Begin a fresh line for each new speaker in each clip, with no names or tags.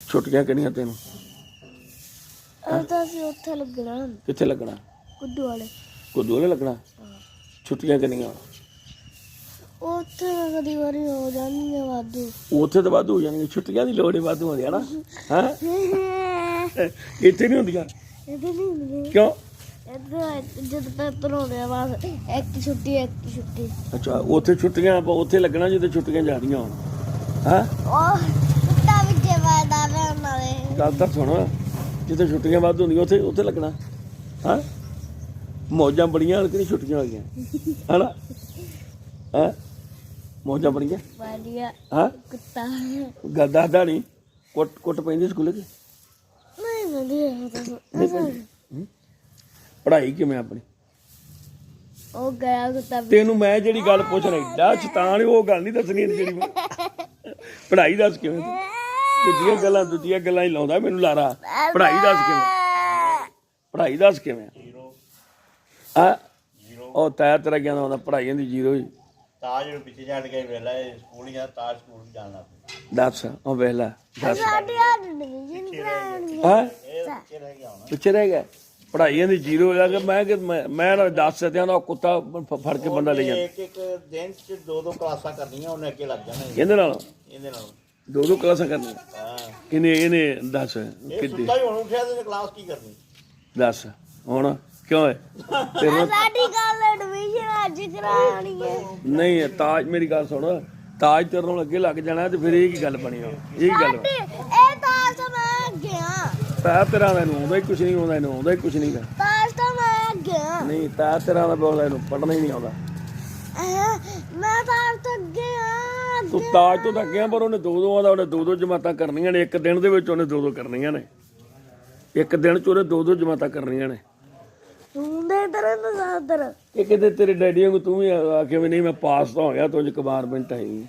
ਛੁੱਟੀਆਂ ਕਿੰਨੀਆਂ ਤੈਨੂੰ?
ਅਸੀਂ ਉੱਥੇ ਲੱਗਣਾ।
ਕਿੱਥੇ ਲੱਗਣਾ?
ਕੁੱਦੂ ਵਾਲੇ।
ਕੁੱਦੂ ਵਾਲੇ ਲੱਗਣਾ। ਛੁੱਟੀਆਂ ਕਿੰਨੀਆਂ?
ਉੱਥੇ ਕਦੀ ਵਾਰੀ ਹੋ ਜਾਂਦੀਆਂ ਵਾਧੂ।
ਉੱਥੇ ਤਾਂ ਵਾਧੂ ਹੋ ਜਾਣਗੀਆਂ, ਛੁੱਟੀਆਂ ਦੀ ਲੋੜ ਹੀ ਵਾਧੂ ਹੁੰਦੀ ਹੈ ਨਾ। ਹੈਂ ਇੱਥੇ ਨਹੀਂ ਹੁੰਦੀਆਂ?
ਇੱਥੇ ਨਹੀਂ ਹੁੰਦੀਆਂ।
ਕਿਉਂ?
ਇੱਥੇ ਜਦ ਪੇਪਰ ਹੋਣੇ ਆ ਬਸ ਇੱਕ ਛੁੱਟੀ।
ਅੱਛਾ, ਉੱਥੇ ਛੁੱਟੀਆਂ ਉੱਥੇ ਲੱਗਣਾ ਜਿੱਥੇ ਛੁੱਟੀਆਂ ਜਾਣੀਆਂ ਹੋਣ। ਹੈਂ
ਉਹ ਕੁੱਤਾ ਵਿੱਚ ਵਾਦਾ ਵੇ ਉਹਨਾਂ ਦੇ।
ਗੱਲ ਤਾਂ ਸੁਣ, ਜਿੱਥੇ ਛੁੱਟੀਆਂ ਵੱਧ ਹੁੰਦੀਆਂ ਉੱਥੇ ਲੱਗਣਾ। ਹਾਂ ਮੌਜਾਂ ਬੜੀਆਂ ਕਿ ਨਹੀਂ ਛੁੱਟੀਆਂ ਹੋਈਆਂ ਹਨਾ? ਹੈਂ ਮੌਜਾਂ ਬੜੀਆਂ
ਵਧੀਆ।
ਹਾਂ
ਕੁੱਤਾ
ਗੱਲ ਦੱਸਦਾ ਨਹੀਂ। ਕੁੱਟ ਪੈਂਦੀ ਸਕੂਲੇ ਕਿ
ਨਹੀਂ? ਵਧੀਆ।
ਪੜ੍ਹਾਈ ਕਿਵੇਂ ਆਪਣੀ?
ਉਹ ਗਿਆ ਕੁੱਤਾ।
ਤੈਨੂੰ ਮੈਂ ਜਿਹੜੀ ਗੱਲ ਪੁੱਛ ਰਿਹਾ ਏਡਾ ਸ਼ੈਤਾਨ ਉਹ ਗੱਲ ਨਹੀਂ ਦੱਸਣੀ ਜਿਹੜੀ ਮੈਂ ਪੜ੍ਹਾਈ ਦੱਸ ਕਿਵੇਂ? ਦੂਜੀਆਂ ਗੱਲਾਂ ਹੀ ਲਾਉਂਦਾ ਮੈਨੂੰ ਲਾਰਾ। ਪੜ੍ਹਾਈ ਦੱਸ ਕਿਵੇਂ? ਆ ਉਹ ਤੇਰਾ ਗਿਆ ਹੁੰਦਾ ਪੜ੍ਹਾਈਆਂ ਦੀ ਜ਼ੀਰੋ ਹੀ।
ਤਾਜ ਨੂੰ ਪਿੱਛੇ ਛੱਡ ਕੇ ਵੇਲਾ ਸਕੂਲ ਗਿਆ, ਤਾਜ ਸਕੂਲ ਜਾਣਾ
ਦੱਸ ਉਹ ਵੇਲਾ ਦੱਸ। ਪਿੱਛੇ ਰਹਿ ਗਿਆ ਪੜ੍ਹਾਈਆਂ ਦੀ ਜ਼ੀਰੋ ਹੋ ਗਿਆ। ਮੈਂ ਦੱਸ ਸਕਿਆ ਨਾ ਕੁੱਤਾ ਫੜ ਕੇ ਬੰਦਾ ਲੈ ਜਾਂਦਾ।
ਇੱਕ ਦਿਨ ਚ 2 ਕਲਾਸਾਂ ਕਰਨੀਆਂ, ਉਹਨੇ ਅੱਗੇ ਲੱਗ ਜਾਣਾ।
ਇਹਦੇ ਨਾਲ 2 ਕਲਾਸਾਂ ਕਰਨੀਆਂ।
ਹਾਂ
ਇਹਨੇ ਦੱਸ
ਇਹ ਸੁੱਤਾ ਹੀ ਹੁਣ ਉੱਠਿਆ ਤੇ ਕਲਾਸ ਕੀ ਕਰਨੀ?
ਦੱਸ ਹੁਣ ਕਿਉਂ ਹੈ
ਸਾਡੀ ਗੱਲ ਐਡਮਿਸ਼ਨ ਅੱਜ ਕਰਾਉਣੀ ਹੈ।
ਨਹੀਂ ਤਾਜ ਮੇਰੀ ਗੱਲ ਸੁਣ, ਤਾਜ ਤੇਰੇ ਨਾਲ ਅੱਗੇ ਲੱਗ ਜਾਣਾ ਤੇ ਫਿਰ ਇਹ ਕੀ ਗੱਲ ਬਣੀ? ਇਹ ਗੱਲ
ਇਹ ਤਾਜ ਤਾਂ ਮੈਂ ਗਿਆ।
ਤਾਂ ਤੇਰਾ ਮੈਨੂੰ ਆਉਂਦਾ ਹੀ ਕੁਛ ਨਹੀਂ, ਆਉਂਦਾ ਇਹਨੂੰ ਆਉਂਦਾ ਹੀ ਕੁਛ ਨਹੀਂ।
ਤਾਜ ਤਾਂ ਮੈਂ ਗਿਆ।
ਨਹੀਂ ਤਾਂ ਤੇਰਾ ਦਾ ਬੋਲਦਾ ਇਹਨੂੰ ਪੜ੍ਹਨਾ ਹੀ ਨਹੀਂ ਆਉਂਦਾ।
ਮੈਂ ਤਾਜ ਤੋਂ ਗਿਆ।
ਤੂੰ ਤਾਜ ਤੋਂ ਤਾਂ ਗਿਆ ਪਰ ਉਹਨੇ 2 ਦਾ ਉਹਨੇ 2 ਜਮਾਤਾਂ ਕਰਨੀਆਂ ਨੇ ਇੱਕ ਦਿਨ ਦੇ ਵਿੱਚ। ਉਹਨੇ 2 ਕਰਨੀਆਂ ਨੇ ਇੱਕ ਦਿਨ ਚ। ਉਹਨੇ 2 ਜਮਾਤਾਂ ਕਰਨੀਆਂ ਨੇ।
ਤੂੰ ਦੇ ਤਰ੍ਹਾਂ
ਇਹ ਕਿਤੇ ਤੇਰੇ ਡੈਡੀ ਵਾਂਗੂ ਤੂੰ ਵੀ ਆ ਕੇ ਵੀ ਨਹੀਂ ਮੈਂ ਪਾਸ ਤਾਂ ਹੋ ਗਿਆ, ਤੂੰ ਕਬਾਰਮੈਂਟ ਆਈ।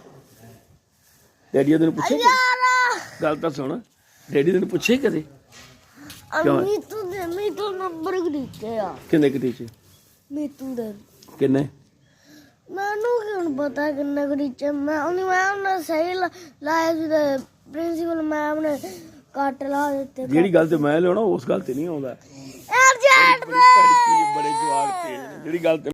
ਡੈਡੀ ਤੈਨੂੰ ਪੁੱਛੇ ਗੱਲ ਤਾਂ ਸੁਣ, ਡੈਡੀ ਤੈਨੂੰ ਪੁੱਛੇ ਕਦੇ?
ਮੀਤੂ ਨੰਬਰ ਕਿੱਥੇ ਆ?
ਕਿੰਨੇ ਟੀਚੇ?
ਮੀਤੂ ਦੇ
ਕਿੰਨੇ?
ਮੈਨੂੰ ਕਿਉਂ ਪਤਾ ਕਿੰਨੇ ਟੀਚੇ? ਮੈਂ ਨੇ ਸਹੀ ਲਾਇਆ ਸੀ ਤੇ ਪ੍ਰਿੰਸੀਪਲ ਮੈਮ ਨੇ ਕੱਟ ਲਾ ਦਿੱਤੇ।
ਜਿਹੜੀ ਗੱਲ ਤੇ ਮੈਂ ਲਿਆਉਣਾ ਉਸ ਗੱਲ ਤੇ ਨਹੀਂ ਆਉਂਦਾ।
ਯਾਰ
ਬੜੇ ਜਵਾਬ ਤੇ ਜਿਹੜੀ ਗੱਲ ਤੇ